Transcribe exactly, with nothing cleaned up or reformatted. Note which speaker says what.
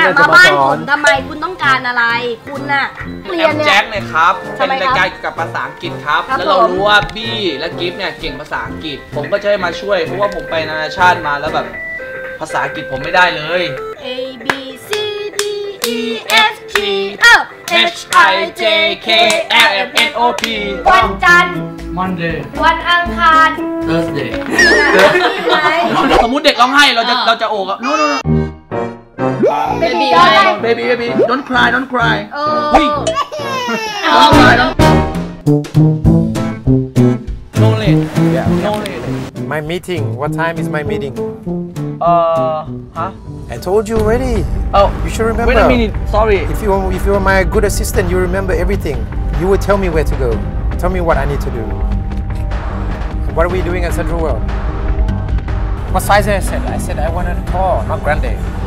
Speaker 1: มาบ้านผมทำไมคุณต้องการอะไรคุณน่ะเรียนเนี่ย
Speaker 2: แจ็คเลยครับเป็นรายการเกี่ยวกับภาษาอังกฤษครับแล้วเรารู้ว่าบี้และกิฟเนี่ยเก่งภาษาอังกฤษผมก็จะให้มาช่วยเพราะว่าผมไปนานาชาติมาแล้วแบบภาษาอังกฤษผมไม่ได้เลย
Speaker 1: A B C D E F G H I J K L M N O P วันจันทร์
Speaker 3: Monday
Speaker 1: วันอังคาร
Speaker 3: Thursday
Speaker 2: สมมุติเด็กร้องไห้เราจะเราจะโอบอะ no no no
Speaker 1: baby
Speaker 2: baby baby don't cry don't cry
Speaker 1: เฮ้ย
Speaker 2: don't cry don't no late no late
Speaker 4: My meeting. What time is my meeting?
Speaker 2: uh huh
Speaker 4: I told you already.
Speaker 2: oh
Speaker 4: You should remember.
Speaker 2: wait a minute sorry
Speaker 4: If you if you are my good assistant, you remember everything. You will tell me where to go. Tell me what I need to do. What are we doing at Central World? What size I said? I said I wanted a tall, not grande.